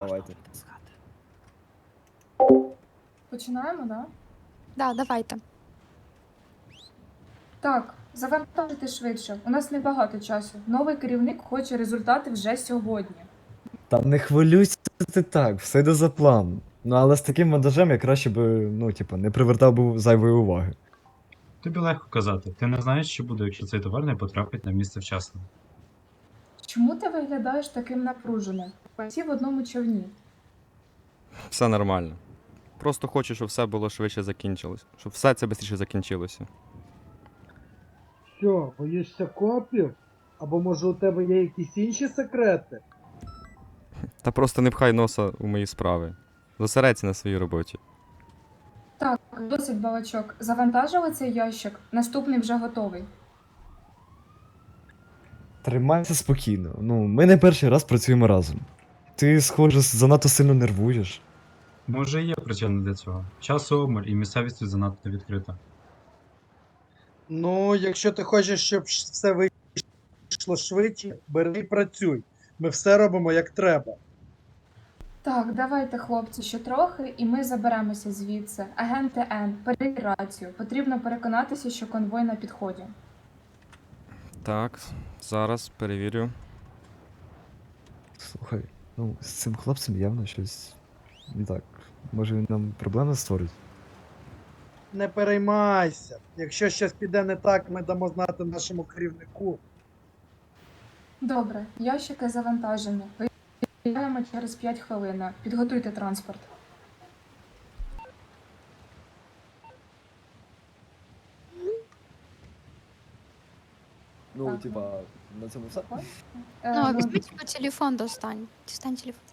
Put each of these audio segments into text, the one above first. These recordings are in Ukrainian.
Давайте. Починаємо, да? Да, давайте. Так, завантажити швидше. У нас небагато часу. Новий керівник хоче результати вже сьогодні. Та не хвилюйся ти так, все йде за план. Ну але з таким монтажем я краще би, ну, типу, не привертав би зайвої уваги. Тобі легко казати. Ти не знаєш, що буде, якщо цей товар не потрапить на місце вчасно. Чому ти виглядаєш таким напруженим? Всі в одному човні. Все нормально. Просто хочу, щоб все було швидше закінчилось. Щоб все це швидше закінчилося. Що, боїшся копів? Або може у тебе є якісь інші секрети? Та просто не пхай носа у мої справи. Зосередься на своїй роботі. Так, досить балачок. Завантажили цей ящик. Наступний вже готовий. Тримайся спокійно. Ну, ми не перший раз працюємо разом. Ти, схоже, занадто сильно нервуєш. Може і є причина для цього. Часу обмаль і місцевість тут занадто відкрита. Ну, якщо ти хочеш, щоб все вийшло швидше, бери і працюй. Ми все робимо як треба. Так, давайте, хлопці, ще трохи, і ми заберемося звідси. Агенти Н, перевір рацію. Потрібно переконатися, що конвой на підході. Так, зараз перевірю. Слухай, ну, з цим хлопцем явно щось не так. Може він нам проблеми створить? Не переймайся. Якщо щось піде не так, ми дамо знати нашому керівнику. Добре, ящики завантажені. Виїжджаємо через 5 хвилин. Підготуйте транспорт. Ну, Так, типа, на цьому все? Ну, візьміть по телефон достань. Дістань телефон.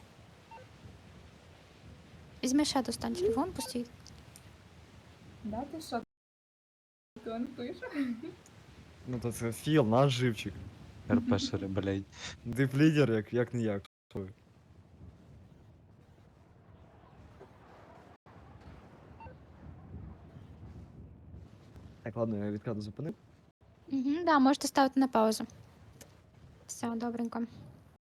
Візьми ще достань телефон, пустій. Да, ти що? Ти он пише? Ну, то це Філ, наш живчик. РПшери, блядь. Дип-лідер, як не як. Що ви? Так, ладно, я відкладу зупинив. Угу, да, можете ставити на паузу. Все, добренько.